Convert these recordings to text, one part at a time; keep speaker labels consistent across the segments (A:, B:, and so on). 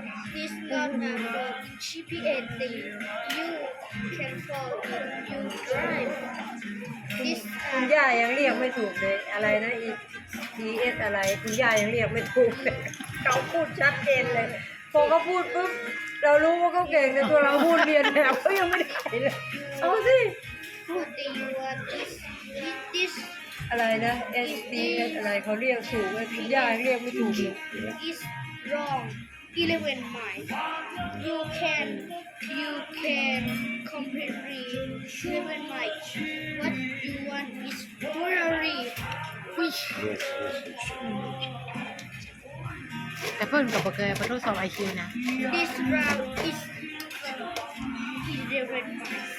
A: This not a road GPS thing. You can follow if you drive. This
B: คุณย่ายังเรียกไม่ถูกเลยอะไรนะ ES อะไรคุณย่ายังเรียกไม่ถูกเลยเขาพูดชัดเจนเลยพอเขาพูดปุ๊บเรารู้ว่าเขาเก่งแต่ตัวเราพูดเรียนแบบเขายังไม่ได้เลยเอาสิ
A: what do you want? This
B: อะไรนะ SDS อะไรเขาเรียกถูกเลยคุณย่ายังเรียกไม่ถูกเลย
A: is wrong. 11 miles. You can completely 11 miles. What you want is Ferrari. Which
C: แต่เพิ่นกับบ่เคยไปทดสอบ IQ นะ
A: this route is 11 miles.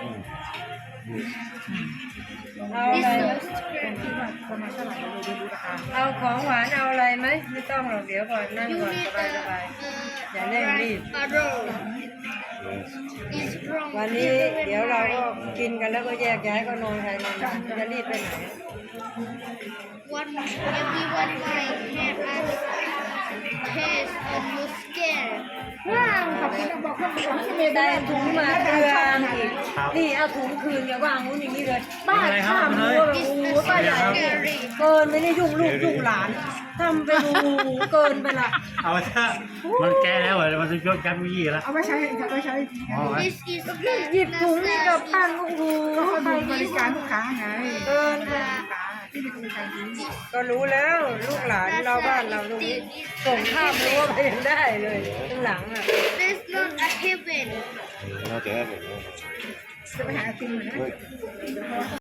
B: เอาอะไร
A: This
B: ไหม
A: is scary.
C: ประมาณเท่าไหร่เราดูราคา
B: เอาของหวานเอาอะไรไหมไม่ต้องหรอกเดี๋ยวก่อนนั่ง
A: You
B: ก่อน
A: need
B: สบายสบาย อย่าเร่งรีบ
A: a road. It's wrong.
B: วันนี้
A: 11
B: เดี๋ยวเราก็
A: miles.
B: กินกันแล้วก็แยกย้ายก็นอนใครนอนมันจะรีบไปไหน
A: One everyone might have a taste of your skin.
C: ว้าวขอบคุณบอกเพิ่นบอกที่เมย์
B: ได้
C: ได้
B: ถุงมาเกลืออีกนี่เอาถุงคืนอย่าวางงู้นอย่างนี้เลยบ้าข้ามรั้วแบบโอ้โหป้าใหญ่เนี่ยเกินไปนี่ยุ่งลูกยุ่งหลานทำไปดูเกินไปละ
D: เอาถ้ามันแก้แล้วเหรอมันจะยกยันวิธีแล้ว
C: เอาไปใช้เอาไปใช้
D: อ๋อ
A: This is
B: หยิบถุงนี่กับพันโอ้โห
C: เขาดูบริการลูกค้าไง
B: เกิน
C: ลูกค้าที่มีบริการดี
B: ก็รู้แล้วลูกหลานเราบ้านเราตรงนี้ส่งข้ามรั้วไปยังได้เลยข้างหลังอ่ะ
A: That's not a heaven.
D: น่าจะได้แบบนี้
C: จะไปหาไอติมเหมือนกัน